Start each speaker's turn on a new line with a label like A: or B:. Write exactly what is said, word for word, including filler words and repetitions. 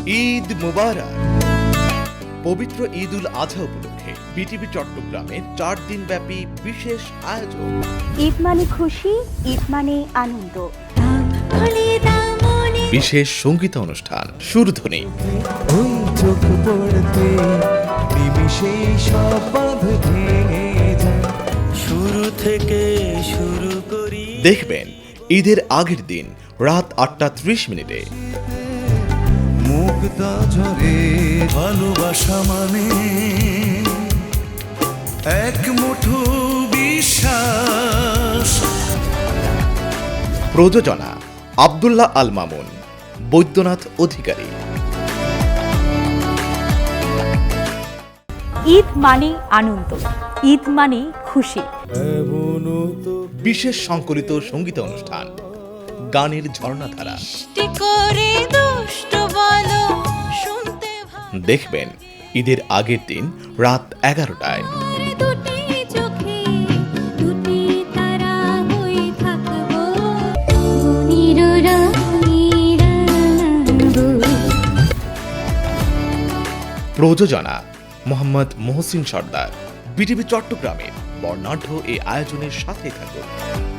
A: ঈদ মুবারক। পবিত্র ঈদ উল আজহা উপলক্ষে বিটিভি চট্টগ্রামের চার দিন ব্যাপী বিশেষ আয়োজন।
B: ঈদ মানে খুশি, ঈদ মানে আনন্দ।
A: বিশেষ সঙ্গীত অনুষ্ঠান সুরধ্বনি।
C: শুরু থেকে শুরু করি।
A: দেখবেন ঈদের আগের দিন রাত আটটা ত্রিশ মিনিটে
C: মুগ্ধা ঝরে ভালোবাসা মানে এক মুঠো বিশ্বাস।
A: প্রযোজনা আব্দুল্লাহ আল মামুন, বৈদ্যনাথ অধিকারী।
B: ঈদ মানে আনন্দ, ঈদ মানে খুশি।
A: বিশেষ সংকলিত সঙ্গীত অনুষ্ঠান, গানের ঝর্ণাধারা। দেখবেন ঈদের আগের দিন রাত এগারোটায়। প্রযোজনা মোহাম্মদ মহসিন সর্দার। বিটিভি চট্টগ্রামের বর্ণাঢ্য এই আয়োজনের সাথে থাকুন।